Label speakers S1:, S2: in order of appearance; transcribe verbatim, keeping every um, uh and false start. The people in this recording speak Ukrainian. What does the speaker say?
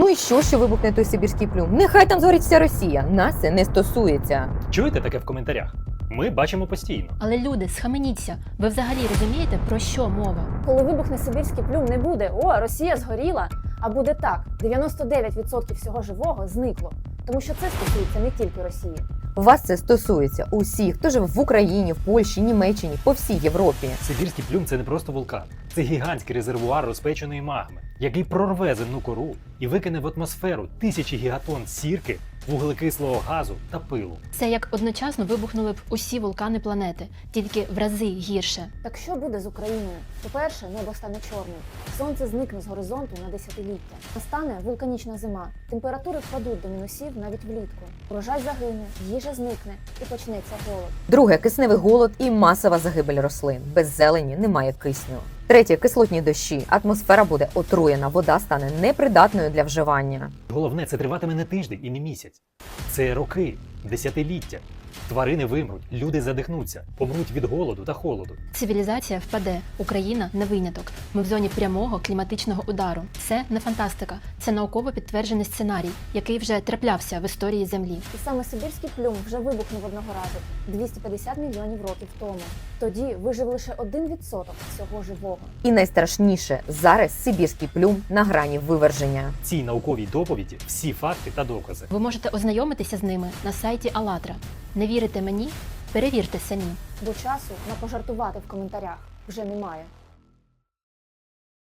S1: Ну і що, що вибухне той сибірський плюм? Нехай там згорить вся Росія. Нас це не стосується.
S2: Чуєте таке в коментарях? Ми бачимо постійно.
S3: Але люди, схаменіться. Ви взагалі розумієте, про що мова?
S4: Коли вибухне сибірський плюм, не буде «О, Росія згоріла», а буде так: дев'яносто дев'ять відсотків всього живого зникло. Тому що це стосується не тільки Росії.
S1: Вас це стосується усіх, хто живе в Україні, в Польщі, Німеччині, по всій Європі.
S2: Сибірський плюм – це не просто вулкан. Це гігантський резервуар розпеченої магми, який прорве земну кору і викине в атмосферу тисячі гігатон сірки, вуглекислого газу та пилу.
S3: Це як одночасно вибухнули б усі вулкани планети, тільки в рази гірше.
S4: Так що буде з Україною? По-перше, небо стане чорним. Сонце зникне з горизонту на десятиліття. Настане вулканічна зима. Температури впадуть до мінусів навіть влітку. Урожай загине, їжа зникне і почнеться голод.
S1: Друге кисневий голод і масова загибель рослин. Без зелені немає кисню. Третє кислотні дощі. Атмосфера буде отруєна, вода стане непридатною для вживання.
S2: Головне, це триватиме не тиждень і не місяць. Це роки, десятиліття. Тварини вимруть, люди задихнуться, помруть від голоду та холоду.
S3: Цивілізація впаде, Україна не виняток. Ми в зоні прямого кліматичного удару. Це не фантастика, це науково підтверджений сценарій, який вже траплявся в історії Землі.
S4: І саме сибірський плюм вже вибухнув одного разу двісті п'ятдесят мільйонів років тому. Тоді вижив лише один відсоток всього живого.
S1: І найстрашніше – зараз сибірський плюм на грані виверження.
S2: В цій науковій доповіді всі факти та докази.
S3: Ви можете ознайомитися з ними на сайті АЛЛАТРА. Не вірите мені? Перевірте самі.
S4: Бо часу на пожартувати в коментарях вже немає.